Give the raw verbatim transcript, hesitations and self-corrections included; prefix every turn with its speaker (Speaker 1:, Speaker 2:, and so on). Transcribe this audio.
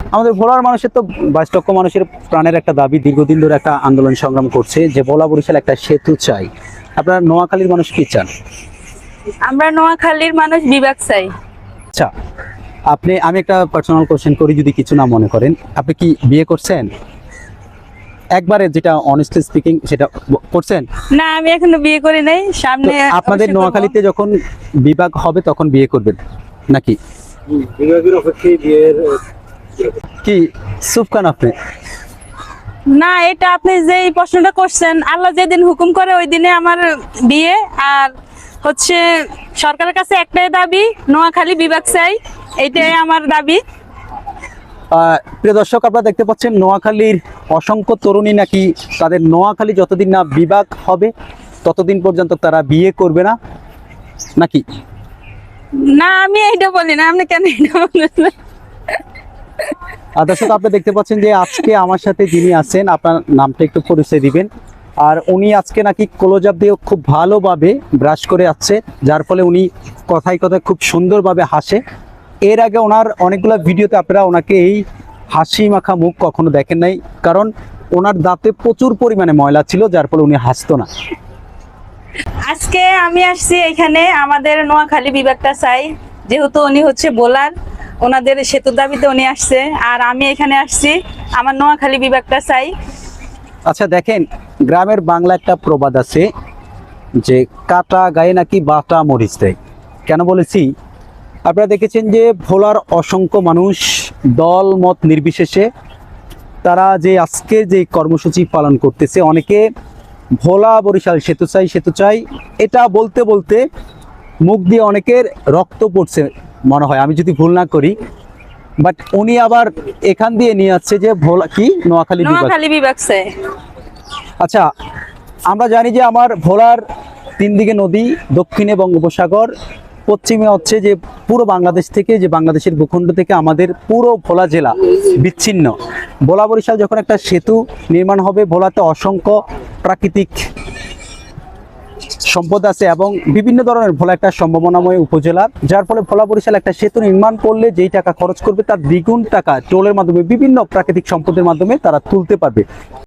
Speaker 1: আমাদের ভোলার মানুষের তো বাইশ লক্ষ মানুষের প্রাণের একটা দাবি, দীর্ঘদিন ধরে একটা আন্দোলন সংগ্রাম করছে যে ভোলা বরিশাল একটা সেতু চাই। আপনারা নোয়াখালীর মানুষ কি চান?
Speaker 2: আমরা নোয়াখালীর মানুষ বিভাগ চাই।
Speaker 1: আচ্ছা, আপনি, আমি একটা পার্সোনাল কোশ্চেন করি যদি কিছু না মনে করেন, আপনি কি বিয়ে করছেন? একবারে যেটা অনেস্টলি স্পিকিং সেটা ব- করছেন?
Speaker 2: না, আমি এখনো বিয়ে করি নাই,
Speaker 1: তো
Speaker 2: সামনে
Speaker 1: আপনাদের
Speaker 2: অবশ্যই করবো।
Speaker 1: নোয়াখালীতে যখন বিভাগ হবে তখন বিয়ে করবেন নাকি?
Speaker 3: বিভাগের অপেক্ষায় বিয়ের
Speaker 1: কি সুফ খান আপনি?
Speaker 2: না, এটা আপনি যেই প্রশ্নটা করছেন, আল্লাহ যেদিন হুকুম করে ওই দিনে আমার বিয়ে। আর হচ্ছে সরকারের কাছে একটাই দাবি, নোয়াখালী বিভাগ চাই, এইটাই আমার দাবি।
Speaker 1: আহ, প্রিয় দর্শক, আপনারা দেখতে পাচ্ছেন নোয়াখালীর অসংখ্য তরুণী নাকি তাদের নোয়াখালী যতদিন না বিভাগ হবে ততদিন পর্যন্ত তারা বিয়ে করবে না নাকি?
Speaker 2: না, আমি এইটা বলি না, আপনি কেন এটা বলছেন?
Speaker 1: আর দর্শক, আপনি দেখতে পাচ্ছেন যে আজকে আমার সাথে যিনি আছেন, আপনার নামটা একটু পরিচয় দিবেন। আর উনি আজকে নাকি ক্লোজ আপ দিয়ে খুব ভালোভাবে ব্রাশ করে আসছে, যার ফলে উনি কথায় কথায় খুব সুন্দরভাবে হাসে। এর আগে ওনার অনেকগুলো ভিডিওতে আপনারা ওনাকে এই হাসি মাখা মুখ কখনো দেখেন নাই, কারণ ওনার দাঁতে প্রচুর পরিমাণে ময়লা ছিল, যার ফলে উনি হাসতো না।
Speaker 2: আজকে আমি আসছি এখানে, আমাদের নোয়াখালী বিভাগটা চাই, যেহেতু উনি হচ্ছে বোলার, ওনাদের সেতুর দাবিতে উনি আসছে। আর আমি এখানে আসছি, আমার নোয়াখালী বিভাগটা চাই।
Speaker 1: আচ্ছা দেখেন, গ্রামের বাংলা একটা প্রবাদ আছে যে কাটা গায়ে নাকি বাটা মরিচ দেয়। কেন বলেছি? আপনারা দেখেছেন যে ভোলার অসংখ্য মানুষ দল মত নির্বিশেষে তারা যে আজকে যে কর্মসূচি পালন করতেছে, অনেকে ভোলা বরিশাল সেতু চাই সেতু চাই এটা বলতে বলতে মুখ দিয়ে অনেকের রক্ত পড়ছে মনে হয়, আমি যদি ভুল না করি। বাট উনি আবার এখান দিয়ে নিয়ে আসছে যে ভোলা কি নোয়াখালী বিভাগ।
Speaker 2: নোয়াখালী বিভাগ চাই।
Speaker 1: আচ্ছা, আমরা জানি যে আমার ভোলার তিন দিকে নদী, দক্ষিণে বঙ্গোপসাগর, পশ্চিমে হচ্ছে যে পুরো বাংলাদেশ থেকে, যে বাংলাদেশের ভূখণ্ড থেকে আমাদের পুরো ভোলা জেলা বিচ্ছিন্ন। ভোলা বরিশাল যখন একটা সেতু নির্মাণ হবে, ভোলাতে অসংখ্য প্রাকৃতিক সম্পদ আছে এবং বিভিন্ন ধরনের ভোলা একটা সম্ভাবনাময় উপজেলা, যার ফলে ভোলা বরিশাল একটা সেতু নির্মাণ করলে যেই টাকা খরচ করবে তার দ্বিগুণ টাকা টোলের মাধ্যমে বিভিন্ন প্রাকৃতিক সম্পদের মাধ্যমে তারা তুলতে পারবে।